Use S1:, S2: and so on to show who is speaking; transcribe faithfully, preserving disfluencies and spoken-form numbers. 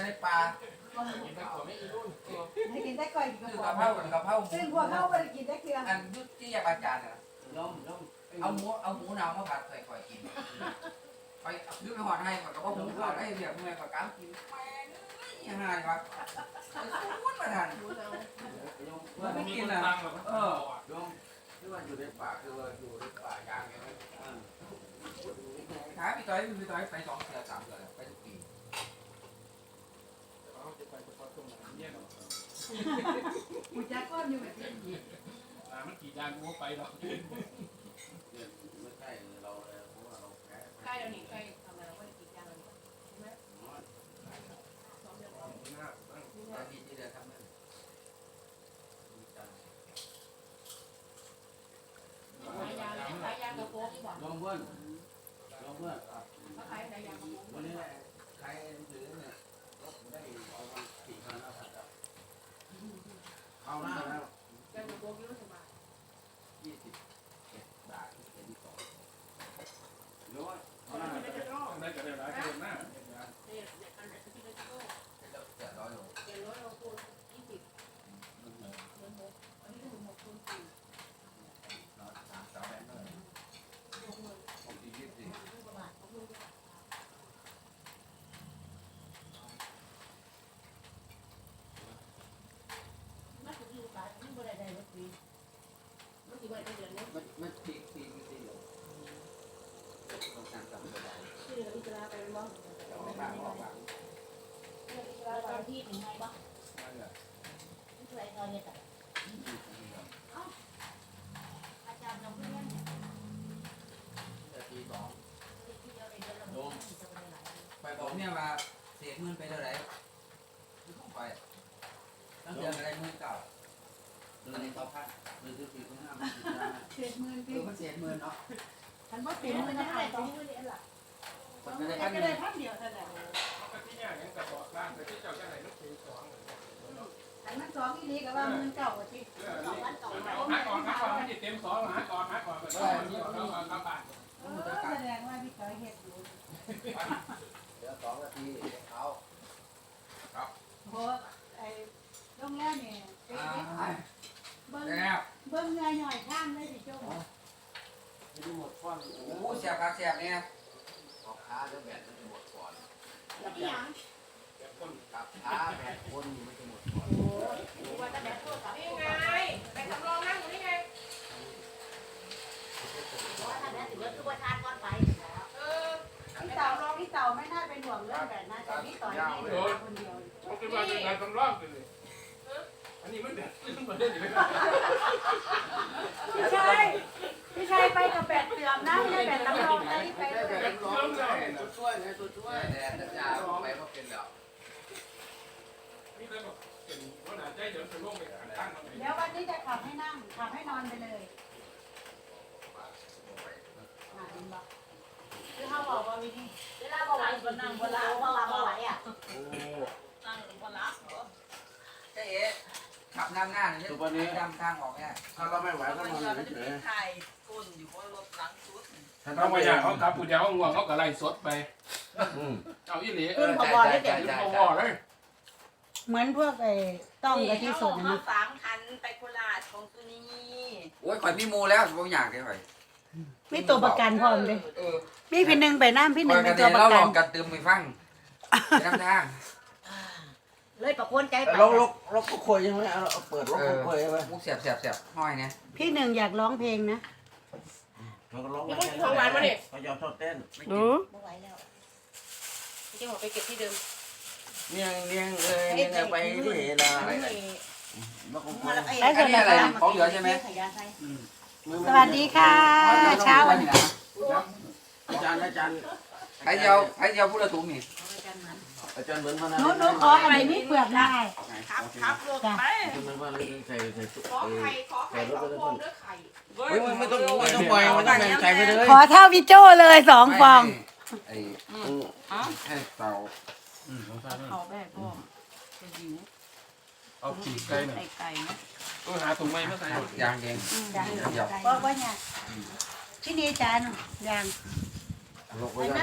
S1: จะได้ปลา
S2: ให้กินได้ก่อยกิน
S1: คื
S2: ก
S1: อ
S2: ระ
S1: กะ
S2: เพ
S1: เพรา
S2: รา
S1: กับกะเพรา
S2: ซึ่งพวกเขาไม่ได้กินได้เกลือ
S1: อันยุติยาอาจารย์น่ะ
S3: ล้มล้ม
S1: เอาหมูเอาหมูหนาวมาผัดใส่ข่อยกินไปยืมไปหอดให้ก่อนก็ว่าผมขอได้เรียกเมื่อยก่อนก้ามกินแม่ยังไงวะพูดมาทันไม่กินอ่ะเออ
S3: ล้มที่ว่าอยู่ในป่าคือว่าอยู่ในป่ายางไงไหม
S1: ขายพี่ต้อยพี่ต้อยไปสองเสือสามเสือไปทุกปี
S2: กูจะก้อนอยู่แบบนี้
S4: มันกี่จานกูไปหรอก
S3: เนี่ยไม่ใช่เราเลยเพราะว่าเราแพ้
S5: ใกล้แล้วนี่ใกล้ทำงานเราก็ได้กินยาแล้วนี่ใช่ไหมสองเดือนแล้ว
S1: ตอนนี้ที่เดือทำเงิน
S5: ขายยาแล้วขายยากระโปงบอก
S3: ล้มเพื่อนล้มเพื่อน
S5: เขาขายยากระโปง
S3: วันนี้ใครถือเนี่ยรถได้เอามาสี่พันห้าพันแล้วเอาหน้าแล้ว
S5: ยากระโปงยี่สิบบาท
S3: ยี่สิบเจ็ดบาทเป็นสองร้อย
S5: เขาไม่ได้จะรอด
S4: ได้กันได้หลายคนหน้า
S5: เนี่ยเนี่ยอันไหนที่ไม่จะรอด
S1: เสือร้อยโล
S5: เจ็ดร้อยเราคูณยี่สิบเงินหกอันนี้ถึงหกคูณสี่
S1: สามสามแบงค์เลย
S5: หกหมื่น
S1: ผมดียี่สิบ
S5: หกกว่าบาทหกหมื่นกว่าบาทมันถึงอยู่บาทมันบ่ได้ได้รถฟรีมันถึงวันเดือนนี้
S3: มันมันตีตีตีเลยต้องการจำไม่ได้
S5: ชื่อเราพิจารณาไปเป็นบ้าง
S3: ออกบ้างออกบ้าง
S5: แล้วตอนที่ถึงไงบ้าง
S3: นั่นแหละ
S5: ที่ไรตอนเนี่ยแต่อาจารย์เราเพื่อนเนี่ย
S3: แต่ตีสอง
S5: ที่เราเรียนเราจะไปไหน
S1: ไปบอกเนี่ยว่าเสียเงินไปเท่าไหร่คือต้องไปตั้งเดือนอะไรเงินเก่า
S3: ตอนนี้ต่อพันหรือคือสี่พันห้ามันติดได้
S2: เศษหมื่น
S1: เอ
S2: ปี
S1: อมันเสียเงินเนาะ
S2: ฉันว่า
S5: เป็
S2: เป็น น
S5: มั
S2: มัน น
S5: จะ
S2: จะ
S5: หา
S2: หาย ย
S5: ต
S2: ต
S5: ร
S2: รง ง
S5: นี้ไม่ได้หรอ
S1: มันก็ได้
S2: แต่
S1: พัน
S2: ก็
S1: ห
S2: ได้
S1: นึ่ง
S2: พันเดียวเท่านั้น
S4: เขาที่เนี่ยยังกระบอกร่างแต่ที่เจ้าจะไหนนึกถึงสอง
S2: แต่มันสองอีนี้ก็ว่ามันเก่ากว่าที่
S5: สองวันสอง
S4: หา
S5: วัน
S4: ก่อนหาก่อนไม่ได้เต็มสองหาก่อนหาก่อนก็ได้ที่เราเอากลับบ้าน
S2: เออแสดงว่าพี่ก้อยเห็ดอยู่
S3: เดี๋ยวสองนาทีเขา
S2: เพราะไอ้โรงแรมเนี่ยเป็น
S1: อ่า
S2: เบิ้ง
S1: แล้ว
S2: เบิ้งเงยหน่อยข้างได้สิโจ้
S3: ไม่ได้หมดฟัน
S1: โอ้เสียบครับเสียบเนี่ย
S3: ออกขาแล้วแบตมันจะหมดก่อน
S5: ที่ยัง
S3: กับขาแบตคนมันจะหมดก่อน
S5: ว่าจะแบบโทรศัพท์นี่ไงไปทำรองนั่งอยู่นี่ไงว่าถ้าแบบถือว่าตัวชาติก้อนไปเออ
S2: พี่เต่าพี่เต่าไม่น่าเป็นห่วงเรื่องแบบนั้นแต่พี่ต่อยนี่เดินคนเดียว
S4: เขาคิดว่าจะงานทำร่างกันเลยอันนี้มันเด็ดมันเด็ดอยู่
S2: พี่ชัยพี่ชัยไปกับแปดเสื่อมนะไม่ได้แปดตำรองนะที่ไป
S3: ได้
S2: ด้วย
S3: แบตร้อนเลยตัวช่วยไงตัวช่วย
S1: แดดจ้าไปก็เป็นแล้ว
S4: นี่เลยบอกเป็นว่าหนาใจเดี๋ยวจะล่วงไปตั้งมัน
S2: เดี๋ยววันนี้จะขับให้นั่งขับให้นอนไปเลยอ่าเห็นปะคือเขาบอกว่าวิธี
S5: เวลาบ่ไหวก็นั่งบ่ละบ่ละบ่ไหวอ่ะ
S3: โอ้
S5: นั่งบ่ละ
S1: เจ๊ขับนำหน้าเนี่ยดำทางออกเนี่ย
S3: ถ้าเราไม่ไหวก็นอนเฉย
S6: ถ่ายก้นอยู่บนรถหลังสุด
S3: ๆถ้า
S4: เขา
S3: เรา
S4: ไม่
S3: ไม่
S4: อยากเขาขับผู้เดียวเขาง่วงเขาก็ไล่สดไป
S3: อืม
S4: เอาอีหลี
S1: เออใช่ใช่ใช่
S4: ขึ้น
S1: ใช่
S4: พอเลย
S2: เหมือนพวกไอ้ต้องกับที่สุด
S6: มา
S2: นะ
S6: สามคันไปโคราชของตัวนี้
S1: โอ้ยข่อยมีมูแล้วบางอย่างเลยข่อย
S2: มีตัวประกันพร้อมเลย
S1: เออ
S2: มีพี่หนึ่งไปน้ำพี่ห
S1: ข่
S2: นึ่
S1: อง ย
S2: เป็
S1: กัน น
S2: ตัว
S1: เดี๋ยว
S2: ประ
S1: เราล
S2: กั
S1: อน งกันตื่มไปฟังไปน้ำทาง
S5: เลยประกวนใจไป
S3: เราเราเราก็คุยใช่ไหมเอาเปิดเราก็คุยใช่ไหม
S1: มุกเสียบเสียบเสียบห้อยเนี่ย
S2: พี่หนึ่งอยากร้องเพลงนะ
S3: เราก็ร้อง
S5: นี่มันของหวานมาเนี่ย
S3: เขายอมชอบเต้น
S2: รู้
S5: บ่ไหวแล้วจะบอกไปเก็บที่เดิม
S3: เนียงเนียงเอ้ยเนียงไปที่เห็นนะมาคุย
S1: อันนี้อะไรของเหลือใช่ไหม
S2: สวัสดีค่ะเช้าวัน
S3: อาจารย์อาจารย์
S1: ไอ้เดียวไอ้เดียวพูดละถุงนี่
S3: อาจารย์เหมือนพนั
S2: หนูหนูขออันนี้มีเปลือกได้
S6: ขับขับรถไป
S3: เหมือนว่าเราใส่ใส่
S5: ขอไข่ขอไข่ขอพวงด้วยไข่
S3: เฮ้ยไม่ต้องไม่ต้องปล่อยไม่ต้องแบ่งใส่ไปเลย
S2: ขอเท่าพี่โจ้เลยสองฟอง
S1: ไอ้
S6: อ๋อ
S1: ให้เตา
S6: เขาแบบพ่อจะหิว
S4: เอาขี่ไก่หน่อย
S6: ไก่ไก่นะ
S4: ต้องหาถุงไม้มาใส่
S1: ยางเอง
S2: บอกว่าเนี่ยที่นี่จานยัง
S3: ลงไป